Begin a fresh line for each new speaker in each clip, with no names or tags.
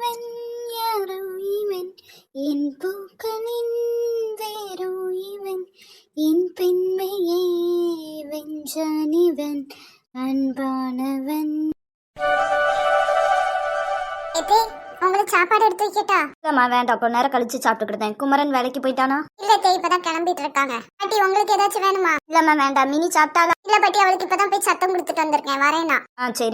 இவன் யாரோ இவன் என் பூக்களின் வேரோ இவன் என் பெண்மையை வென்றான் இவன் அன்பானவன். உங்களுக்கு சாப்பாடு எடுத்து வைக்கட்டா?
இல்லம்மா வேண்டாம், கொஞ்ச நேரம் கழிச்சு சாப்பிட்டுக்கிட்டேன். குமரன் வேலைக்கு போயிட்டானா?
இல்ல தே, இப்பதான் கிளம்பிட்டு இருக்காங்க. பாட்டி உங்களுக்கு ஏதாச்சும் வேணுமா?
இல்லம்மா வேண்டாம். மினி சாப்பிட்டாலா?
இல்ல பாட்டி, அவளுக்கு இப்பதான் போய் சத்தம் கொடுத்துட்டு வந்திருக்கேன், வரேனா?
சரி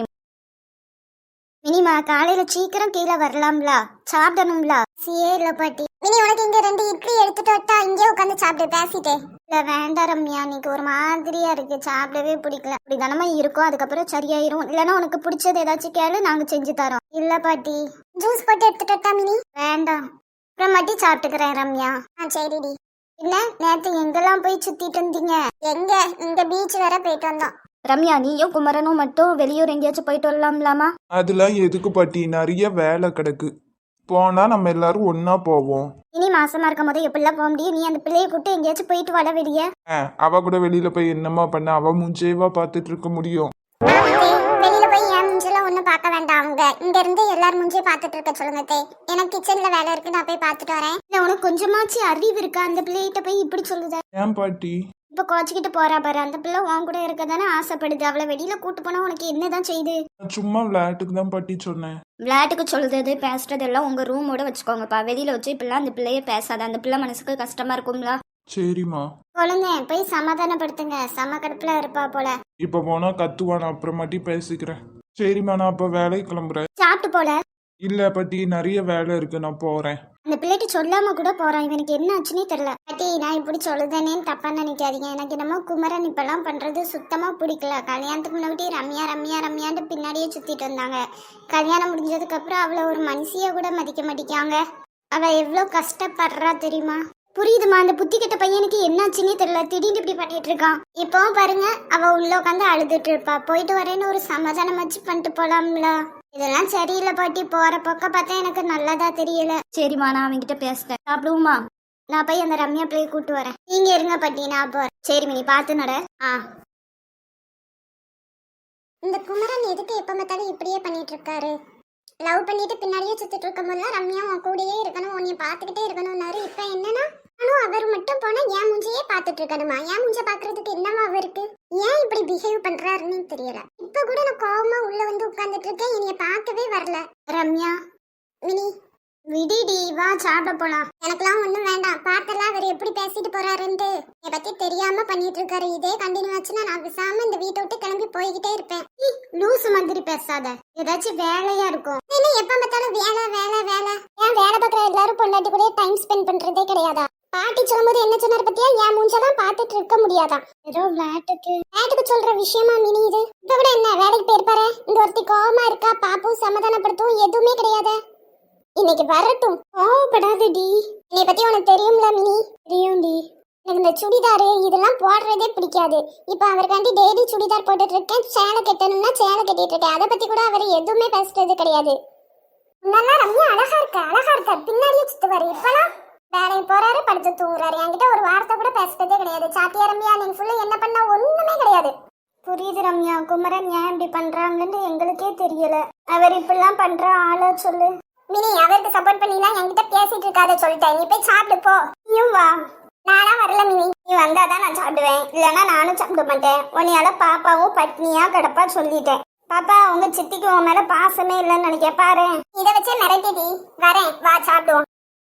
மினிமா, காலையில சீக்கிரம் கீழே வரலாம்ல, சாப்பிடணும்ல.
சியே இல்ல பாட்டி. மினி உனக்கு இங்க 2 இட்லி எடுத்துட்டு வட்டா? இங்கே உட்காந்து சாப்பிட்டு பேசிட்டே.
இல்ல வேண்டாம் ரம்யா, இன்னைக்கு ஒரு மாதிரியா இருக்கு, சாப்பிடவே பிடிக்கல. அப்படி தானமா இருக்கும், அதுக்கப்புறம் சரியாயிரும். இல்லைன்னா உனக்கு பிடிச்சது ஏதாச்சும் கேளு, நாங்க செஞ்சு தரோம். இல்ல பாட்டி.
ஜூஸ் போட்டு எடுத்துட்டு வட்டா மினி?
வேண்டாம், அப்புறம் மட்டும் சாப்பிட்டுக்கிறேன் ரம்யா.
சரிடி.
என்ன நேத்து எங்கெல்லாம் போய் சுத்திட்டு இருந்தீங்க?
எங்க இந்த பீச் வர போயிட்டு வந்தோம்.
ரம்யா, நீயும் குமரனும் மட்டும் வெளியூர் எங்கேயாச்சும் போயிட்டு வரலாம்லாமா?
அதெல்லாம் எதுக்கு பாட்டி, நிறைய வேலை கிடக்கு. போனா நம்ம எல்லாரும் ஒன்னா போவோம்.
இனி மாசமா இருக்கும் போது எப்படிலாம் போக முடியும்? நீ அந்த பிள்ளையை கூப்பிட்டு எங்கேயாச்சும் போயிட்டு வர வெளியே.
அவ கூட வெளியில போய் என்னமா பண்ண? அவ மூஞ்சேவா பார்த்துட்டு இருக்க முடியும்?
வெளியில போய் என் மூஞ்செல்லாம் ஒண்ணும் பார்க்க வேண்டாம். அவங்க இங்க இருந்து எல்லாரும் மூஞ்சியும் பார்த்துட்டு இருக்க சொல்லுங்க தே. எனக்கு கிச்சன்ல வேலை இருக்கு, நான் போய் பார்த்துட்டு வரேன்.
இல்ல உனக்கு கொஞ்சமாச்சு அறிவு இருக்கா? அந்த பிள்ளைகிட்ட போய் இப்படி சொல்லுத.
ஏன் பாட்டி?
இப்ப கோச்சிக்கிட்டு போறா பாரு, அந்த பிள்ளை உன் கூட இருக்க தானே ஆசைப்படுது. அவளை வெளியில கூட்டு போனா உனக்கு என்னதான் செய்யுது?
சும்மா விளையாட்டுக்கு தான் பாட்டி சொன்னேன்.
விளையாட்டுக்கு சொல்றது பேசுறது எல்லாம் உங்க ரூமோட வச்சுக்கோங்கப்பா. வெளியில வச்சு இப்பெல்லாம் அந்த பிள்ளைய பேசாத, அந்த பிள்ளை மனசுக்கு கஷ்டமா இருக்கும்ல.
சரிம்மா.
குழந்தை போய் சமாதானப்படுத்துங்க, சம கடுப்புல இருப்பா போல.
இப்ப போனா கத்துவா, நான் அப்புறமாட்டி பேசிக்கிறேன். சரிம்மா, நான் அப்ப வேலைக்கு கிளம்புறேன்.
சாப்பிட்டு போல.
இல்ல பாட்டி, நிறைய வேலை இருக்கு, நான் போறேன்.
அந்த பிள்ளைட்டு சொல்லாம கூட போறான், இவனுக்கு என்ன ஆச்சுன்னே தெரியல. பாட்டி, நான் இப்படி சொல்லுதேனேன்னு தப்பா நினைக்காதீங்க. எனக்கு என்னமோ குமரன் இப்பெல்லாம் பண்றது சுத்தமா பிடிக்கல. கல்யாணத்துக்கு முன்னாடி ரம்யா ரம்யா ரம்யான்னு பின்னாடியே சுத்திட்டு வந்தாங்க. கல்யாணம் முடிஞ்சதுக்கு அப்புறம் அவளை ஒரு மனுஷிய கூட மதிக்க மாட்டேங்காங்க. அவ எவ்வளவு கஷ்டப்படுறா தெரியுமா? புரியுதுமா? அந்த புத்தி கெட்ட பையனுக்கு என்னாச்சுன்னே தெரியல, திடீர்னு இப்படி பண்ணிட்டு இருக்கான். இப்பவும் பாருங்க, அவ உள்ள உட்காந்து அழுதுட்டு இருப்பா. போயிட்டு வரேன்னு ஒரு சமாதானம் வச்சு பண்ணிட்டு போலாம்ல. இதெல்லாம் சரியில்லை பாட்டி, போற பக்கம் பார்த்தா எனக்கு நல்லதா தெரியல. சரிம்மா, நான் அவன்கிட்ட பேசுறேன். சாப்பிடுவோமா? நான் போய் அந்த ரம்யா பிள்ளைய கூட்டு வரேன். நீங்க இருங்க பாட்டி, நான் போறேன். சரி மினி, பார்த்து நட.
இந்த குமரன் எதுக்கு எப்ப பார்த்தாலும் இப்படியே பண்ணிட்டு இருக்காரு? லவ் பண்ணிட்டு பின்னாடியே சுத்திட்டு இருக்கும் போதுலாம் ரம்யா உன் கூடயே இருக்கணும், உன்னைய பாத்துக்கிட்டே இருக்கணும்னாரு. இப்ப என்னன்னா அவர் மட்டும் போனா என் மூஞ்சியே பாத்துட்டு இருக்கணுமா? என் மூஞ்ச பாக்குறதுக்கு என்னவா அவருக்கு? ஏன் இப்படி பிஹேவ் பண்றாருன்னு தெரியல. இப்ப கூட நான் கோவமா உள்ள வந்து உட்கார்ந்துட்டு இருக்கேன், என்னைய பார்க்கவே வரல.
ரம்யா,
மினி
விடிடி, வா சாப்பிட போலாம்.
எனக்கெல்லாம் ஒண்ணும் வேண்டாம். பார்த்தெல்லாம் அவர் எப்படி பேசிட்டு போறாருன்ட்டு என்னை பத்தி தெரியாம பண்ணிட்டு இருக்காரு. இதே கண்டினியூ ஆச்சுன்னா நான் விசாம இந்த வீட்டை விட்டு கிளம்பி போய்கிட்டே இருப்பேன்.
லூசு மாதிரி பேசாத, ஏதாச்சும் வேலையா இருக்கும்.
என்ன எப்ப பார்த்தாலும் வேலை வேலை வேலை? ஏன் வேலை பார்க்குற எல்லாரும் பொண்டாட்டி கூட டைம் ஸ்பெண்ட் பண்றதே கிடையாதா? பாட்டி சொல்லும்போது என்ன சொன்னார் பத்தியா? என் மூஞ்செல்லாம் பார்த்துட்டு இருக்க முடியாதான்.
ஏதோ
விளையாட்டுக்கு சொல்ற விஷயமா மினி இது? இப்ப கூட என்ன வேலைக்கு போயிருப்பாரு? இந்த ஒருத்தி கோவமா இருக்கா, பாப்பும் சமாதானப்படுத்தும் எதுவுமே கிடையாது. இன்னைக்கு வரட்டும்.
கோவப்படாதடி.
என்னை பத்தி உனக்கு தெரியும்ல மினி?
தெரியும்டி.
எனக்கு இந்த சுடிதாரு இதெல்லாம் போடுறதே பிடிக்காது. இப்ப அவருக்காண்டி டெய்லி சுடிதார் போட்டுட்டு இருக்கேன். சேலை கட்டணும்னா சேலை கட்டிட்டு இருக்கேன். அதை பத்தி கூட அவர் எதுவுமே பேசுறது கிடையாது. நல்லா ரம்யா அழகா இருக்க பின்னாடியே சுத்துவாரு. இப்பெல்லாம் வேலைக்கு போறாரு, படுத்து தூங்குறாரு. என்கிட்ட ஒரு வார்த்தை கூட பேசுறதே கிடையாது. சாத்தியா ரம்யா, நீங்க ஃபுல்லா என்ன பண்ணா ஒண்ணுமே கிடையாது.
புரியுது ரம்யா, குமரன் ஏன் இப்படி பண்றாங்கன்னு எங்களுக்கே தெரியல. அவர் இப்படிலாம் பண்ற ஆளோ சொல்லு.
மினி, அவருக்கு சப்போர்ட் பண்ணிலாம் என்கிட்ட பேசிட்டு இருக்காத சொல்லிட்டேன். நீ போய் சாப்பிடு போ.
நீயும் வா.
நானா வரல மினி.
நீ வந்தாதான் நான் சாப்பிடுவேன், இல்லைன்னா நானும் சாப்பிட மாட்டேன். உன்னையால பாப்பாவும் பட்னியா கிடப்பா சொல்லிட்டேன். பாப்பா, உங்க சித்திக்கு உன் மேல பாசமே இல்லைன்னு நினைக்க பாரு.
இதை வச்சே மிரட்டிடி. வரேன், வா சாப்பிடுவோம்.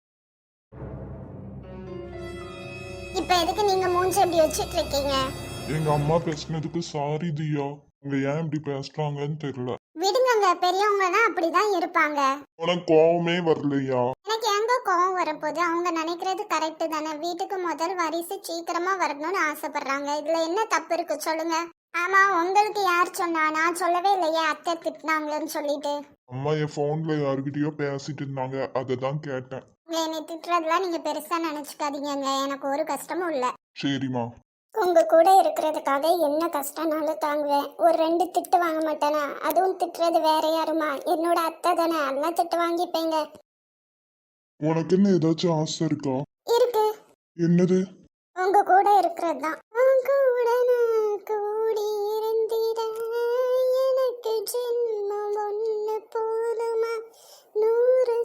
இப்ப எதுக்கு நீங்க மூஞ்சி எப்படி வச்சிட்டு இருக்கீங்க?
எங்க அம்மா பேசினதுக்கு சாரி தியா. அவங்க ஏன் இப்படி பேசுறாங்கன்னு தெரியல.
விடுங்க, பெரியவங்க தான் அப்படிதான் இருப்பாங்க.
உனக்கு கோவமே வரலையா?
எனக்கு எங்க கோவம் வரப்போது? அவங்க நினைக்கிறது கரெக்ட் தானே. வீட்டுக்கு முதல் வாரிசு சீக்கிரமா வரணும்னு ஆசைப்படுறாங்க. இதுல என்ன தப்பு இருக்கு சொல்லுங்க? ஆமா, உங்களுக்கு யார் சொன்னா? நான் சொல்லவே இல்லையே அத்தை திட்டினாங்களேன்னு சொல்லிட்டு.
அம்மா என் போன்ல யாருக்கிட்டயோ பேசிட்டு இருந்தாங்க, அததான் கேட்டேன்.
என்னை திட்டுறதுலாம் நீங்க பெருசா நினைச்சுக்காதீங்க. எனக்கு ஒரு கஷ்டமும் இல்ல.
சரிம்மா.
உங்க கூட இருக்கிறதுக்காக என்ன கஷ்டம்னாலும் தாங்குவேன். ஒரு 2 திட்டு வாங்க மாட்டேனா? அதுவும் திட்டுறது வேற யாருமா? என்னோட அத்தை தானே, அதெல்லாம் திட்டு வாங்கிப்பேங்க.
உனக்கு என்ன ஏதாச்சும் ஆசை இருக்கா?
இருக்கு.
என்னது?
உங்க கூட இருக்கிறது தான். உங்க கூட நான் கூடி இருந்திட எனக்கு ஜென்மம் ஒண்ணு போதுமா? 100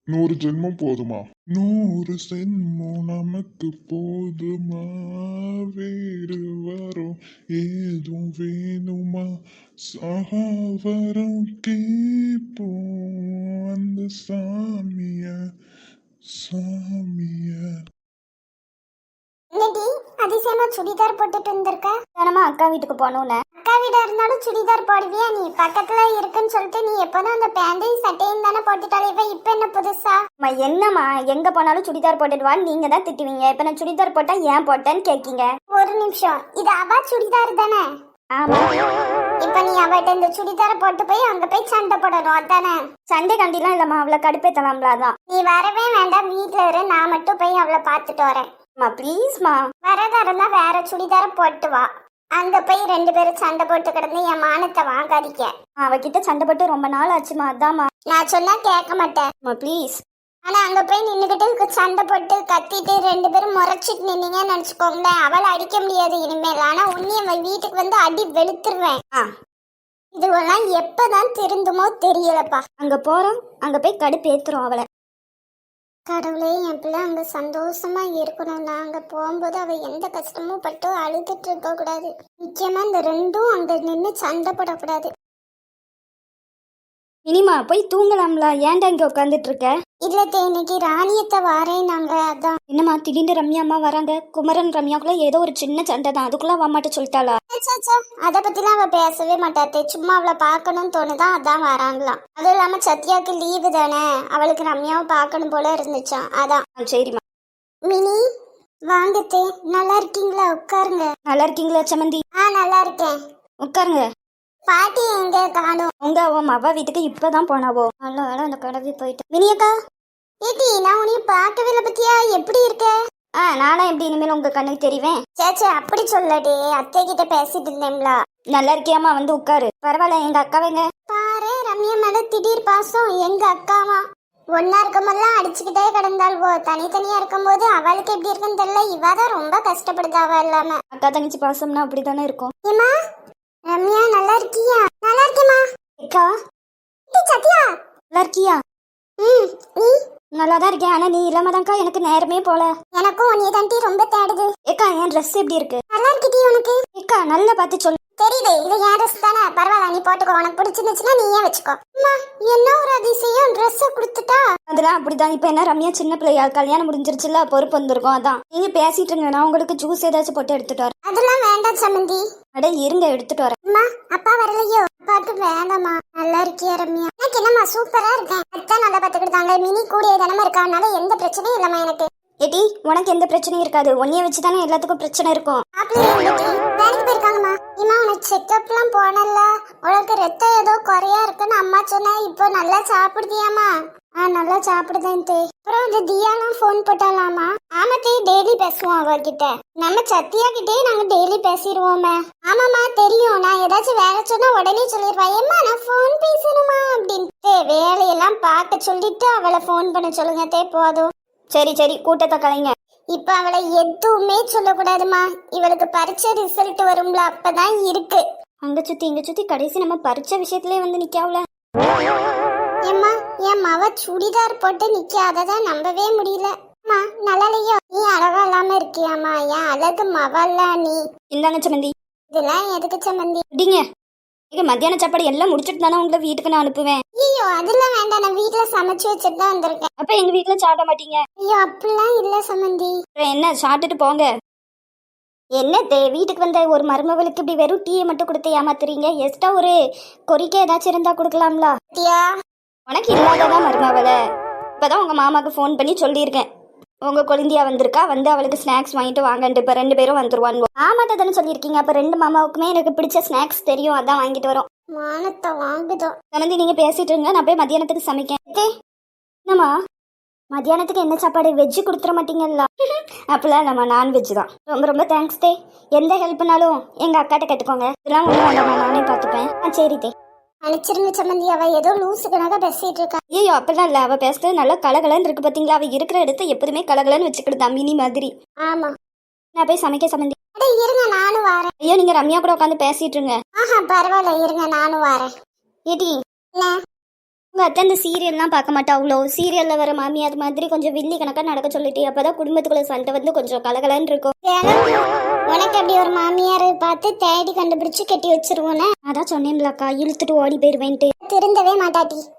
100 ஜென்மம் போதுமா? 100 ஜென்மம் நமக்கு போதுமா? வேறு வரும் ஏதும் வேணுமா? சகாவரம் கேட்போம் அந்த சாமிய சாமிய.
என்னடி அதிசயமா சுடிதார் போட்டுட்டு வந்திருக்க?
தானமா அக்கா வீட்டுக்கு போகணும்னு.
அக்கா வீடா இருந்தாலும் சுடிதார் போடுவியா நீ? பக்கத்துல இருக்குன்னு சொல்லிட்டு நீ எப்போதும் அந்த பேண்டையும் சட்டையும் தானே போட்டுட்டாலே இப்ப என்ன புதுசா?
அம்மா என்னம்மா எங்க போனாலும் சுடிதார் போட்டுடுவான்னு நீங்க தான் திட்டுவீங்க. இப்ப நான் சுடிதார் போட்டா ஏன் போட்டேன்னு கேட்கீங்க.
ஒரு நிமிஷம், இது அவ சுடிதார் தானே?
ஆமா.
இப்ப நீ அவட்ட இந்த சுடிதார போட்டு போய் அங்க போய் சண்டை போடணும் அதானே?
சண்டை கண்டிலாம் இல்லம்மா, அவளை கடுப்பேத்தலாம்ல அதான்.
நீ வரவே வேண்டாம், வீட்ல இரு, நான் மட்டும் போய் அவளை பாத்துட்டு வரேன்.
அம்மா ப்ளீஸ்மா.
வரதா இருந்தா வேற சுடிதார போட்டு வா. அங்க போய் 2 பேரும் சண்டை போட்டு கிடந்து என் மானத்தை வாங்காதீங்க.
அவகிட்ட சண்டை போட்டு ரொம்ப நாள் ஆச்சுமா, அதாம்மா.
நான் சொன்னா கேட்க மாட்டேன்.
அம்மா ப்ளீஸ்.
ஆனா அங்க போய் நின்னுகிட்டு சண்டை போட்டு கத்திட்டு 2 பேரும் முறைச்சிட்டு நின்னீங்கன்னு நினைச்சுக்கோங்களேன், அவளை அடிக்க முடியாது இனிமேல். ஆனா உன்னைய வீட்டுக்கு வந்து அடி வெளுத்துருவேன். இதுவெல்லாம் எப்பதான் திருந்துமோ தெரியலப்பா.
அங்க போறோம், அங்க போய் கடுப்பு ஏத்துறோம் அவளை.
கடவுளே, என் பிள்ளை அங்க சந்தோஷமா இருக்கணும். நான் அங்க போகும்போது அவ எந்த கஷ்டமும் பட்டு அழுதுட்டு இருக்க கூடாது. முக்கியமா இந்த 2ம் அங்க நின்று சண்டை போடக்கூடாது.
இனிமா போய் தூங்கலாம்ல, ஏன்டா இங்க உட்காந்துட்டு இருக்க?
இல்லத்த, இன்னைக்கு ராணியத்தை வாரேன் நாங்க, அதான்.
என்னம்மா திடீர்னு ரம்யா அம்மா வராங்க? குமரன் ரம்யாக்குள்ள ஏதோ ஒரு சின்ன சண்டை தான், அதுக்குள்ள அவமாட்ட சொல்லிட்டாளா?
அத பத்திலாம் அவ பேசவே மாட்டாத்தே. சும்மா அவளை பார்க்கணும்னு தோணுதான், அதான் வராங்களாம். அதுவும் இல்லாம சத்யாவுக்கு லீவு தானே, அவளுக்கு ரம்யாவை பார்க்கணும் போல இருந்துச்சான், அதான்.
சரிம்மா.
மினி வாங்கத்தே, நல்லா இருக்கீங்களா? உட்காருங்க.
நல்லா இருக்கீங்களா சமந்தி?
நல்லா இருக்கேன்.
உட்காருங்க.
பாட்டி எங்க காணோம்?
உங்க அவன் அவ வீட்டுக்கு இப்பதான் போனாவோ. நல்ல வேலை அந்த கடவி போயிட்டு. மினியக்கா
ஏட்டி, நான் உன்னைய பார்க்கவே இல்லை பத்தியா? எப்படி இருக்க?
நானா எப்படி இனிமேல் உங்க கண்ணுக்கு தெரிவேன்?
சேச்சே, அப்படி சொல்லடி, அத்தை கிட்ட பேசிட்டு இருந்தேன்ல.
நல்லா இருக்கியாமா? வந்து உட்காரு. பரவாயில்ல, எங்க அக்காவைங்க
பாரு, ரம்யா மேல திடீர் பாசம். எங்க அக்காவா ஒன்னா இருக்கும்போதெல்லாம் அடிச்சுக்கிட்டே கிடந்தாள்வோ, தனித்தனியா இருக்கும்போது அவளுக்கு எப்படி இருக்குன்னு தெரியல. இவாதான் ரொம்ப கஷ்டப்படுது அவ இல்லாம.
அக்கா தங்கச்சி பாசம்னா அப்படித்தானே இருக்கும்.
ஏமா ரம்யா, நல்லா இருக்கியா? நல்லா இருக்கேம்மா.
அக்கா
சத்யா,
நல்லா இருக்கியா?
நீ?
நல்லாதான் இருக்கேன். ஆனா நீ இல்லாம தான்க்கா எனக்கு நேரமே போல.
எனக்கும் உன்னைய தாண்டி ரொம்ப தேடுது.
ஏக்கா என் ட்ரெஸ் எப்படி இருக்கு?
நல்லா இருக்கிட்டி உனக்கு?
ஏக்கா நல்லா பார்த்து சொல்லு.
தெரியுது, இது என் ட்ரெஸ் தானே, பரவாயில்ல, நீ போட்டுக்கோ. உனக்கு பிடிச்சிருந்துச்சுன்னா நீயே வச்சுக்கோ. அம்மா, என்ன ஒரு அதிசயம், ட்ரெஸ் கொடுத்துட்டா.
அதெல்லாம் அப்படிதான். இப்ப என்ன ரம்யா சின்ன பிள்ளையா, கல்யாணம் முடிஞ்சிருச்சுல, பொறுப்பு வந்திருக்கும். அதான் நீங்க பேசிட்டு இருங்க, நான் உங்களுக்கு ஜூஸ் ஏதாச்சும் போட்டு எடுத்துட்டு வரேன்.
அதெல்லாம் வேண்டாம் சமந்தி.
அட இருங்க, எடுத்துட்டு வரேன்.
அம்மா, அப்பா வரலையோ? அப்பாவுக்கு வேண்டாமா. நல்லா இருக்கியா ரம்யா? எனக்கு என்னம்மா, சூப்பரா இருக்கேன். அத்தான் நல்லா பாத்துக்கிட்டாங்க. மினி கூடிய தினமும் இருக்கனால எந்த பிரச்சனையும் இல்லம்மா எனக்கு.
ஏடி உனக்கு எந்த பிரச்சனையும் இருக்காது. உன்னைய வச்சுதானே எல்லாத்துக்கும் பிரச்சனை இருக்கும்.
வேலைக்கு போயிருக்காங்கம்மா. இம்மா, உனக்கு செக்அப்லாம் போனல, உனக்கு ரத்தம் ஏதோ குறையா இருக்குன்னு அம்மா சொன்னா. இப்போ நல்லா சாப்பிடுதியாமா? நல்லா சாப்பிடுதேன் தே. அப்புறம் இந்த தியாலாம் ஃபோன் போட்டாலாமா? ஆமா தே, டெய்லி பேசுவோம் அவகிட்ட. நம்ம சத்யா கிட்டே நாங்க டெய்லி பேசிடுவோமே. ஆமாம்மா தெரியும். நான் ஏதாச்சும் வேலை சொன்னா உடனே சொல்லிடுவா, ஏம்மா நான் ஃபோன் பேசணுமா அப்படின்ட்டு. வேலையெல்லாம் பார்க்க சொல்லிட்டு அவளை ஃபோன் பண்ண சொல்லுங்க தே, போதும்.
சரி சரி, கூட்டத்தை கலைங்க.
இப்ப அவளை எதுவுமே சொல்லக்கூடாதுமா. இவளுக்கு பரீட்சை ரிசல்ட் வரும்ல, அப்பதான் இருக்கு.
அங்க சுத்தி இங்க சுத்தி கடைசி நம்ம பரீட்சை விஷயத்திலே வந்து நிக்காவுல.
ஏம்மா, என் மவ சுடிதார் போட்டு நிக்காததான் நம்பவே முடியல. அம்மா, நல்லாலையோ? நீ அழகா இல்லாம இருக்கியாமா? என் அழகு மவல்ல நீ.
இந்தாங்க சமந்தி.
இதெல்லாம் எதுக்கு சம்மந்தி?
அப்படிங்க. இங்க மத்தியான சாப்பாடு எல்லாம் முடிச்சிட்டு தானே உங்களை வீட்டுக்கு நான் அனுப்புவேன்.
ஐயோ, அதெல்லாம் வேண்டாம், நான் வீட்டுல சமைச்சு வச்சுட்டு தான் வந்திருக்கேன்.
அப்ப எங்க வீட்டுல சாப்பிட மாட்டீங்க?
ஐயோ, அப்படிலாம் இல்ல சம்மந்தி.
என்ன சாப்பிட்டுட்டு போங்க. என்ன வீட்டுக்கு வந்த ஒரு மருமகளுக்கு இப்படி வெறும் டீயை மட்டும் கொடுத்து ஏமாத்துறீங்க? எக்ஸ்ட்ரா ஒரு கொறிக்க ஏதாச்சும் இருந்தா கொடுக்கலாம்ல. உனக்கு இல்லாததான் மருமவள. இப்பதான் உங்க மாமாக்கு ஃபோன் பண்ணி சொல்லியிருக்கேன், உங்க குழந்தையா வந்திருக்கா, வந்து அவளுக்கு ஸ்நாக்ஸ் வாங்கிட்டு வாங்கன்ட்டு. இப்ப 2 பேரும் வந்துருவாங்க. ஆமாட்ட தானே சொல்லியிருக்கீங்க. அப்ப 2 மாமாவுக்குமே எனக்கு பிடிச்ச ஸ்நாக்ஸ் தெரியும், அதான் வாங்கிட்டு வரோம்.
மானத்தை வாங்குதோம்.
சமந்தி நீங்க பேசிட்டு இருங்க, நான் போய் மத்தியானத்துக்கு சமைக்கேன். என்னம்மா மத்தியானத்துக்கு என்ன சாப்பாடு? வெஜ்ஜு கொடுத்துட மாட்டீங்கல்ல? அப்படிலாம் நம்ம நான்வெஜ் தான். ரொம்ப ரொம்ப தேங்க்ஸ் தே. எந்த ஹெல்ப்னாலும் எங்க அக்காட்ட கேட்டுக்கோங்க. இதெல்லாம் ஒன்றும் வேண்டாமா, நானே பார்த்துப்பேன். சரி தே.
அனுப்பிச்சிருங்க சம்மந்தி. அவ ஏதோ லூசுக்கனாக பேசிட்டு இருக்கா.
ஐயோ அப்படிலாம் இல்ல, அவ பேசுறது நல்லா கலகலன்னு இருக்கு பாத்தீங்களா? அவ இருக்கிற இடத்த எப்போதுமே கலகலன்னு வச்சுக்கிடுதா, மினி மாதிரி.
ஆமா,
நான் போய் சமைக்க சம்மந்தி.
இருங்க நானும் வரேன்.
ஐயோ நீங்க ரம்யா கூட உட்காந்து பேசிட்டு இருங்க.
பரவாயில்ல, இருங்க நானும் வரேன்.
ஏடி உங்க அத்தை அந்த சீரியல்லாம் பார்க்க மாட்டா அவ்வளோ சீரியல்ல வர மாமியார் மாதிரி கொஞ்சம் வில்லி கணக்கா நடக்க சொல்லிட்டு அப்பதான் குடும்பத்துக்குள்ள சண்டை வந்து கொஞ்சம் கலகலன்னு இருக்கும். உனக்கு அப்படி ஒரு மாமியார் பார்த்து தேடி கண்டுபிடிச்சு கட்டி வச்சிருவோன்னு அதான் சொன்னேன்லக்கா, இழுத்துட்டு ஓடி போயிருவேன்ட்டு.
திருந்தவே மாட்டாட்டி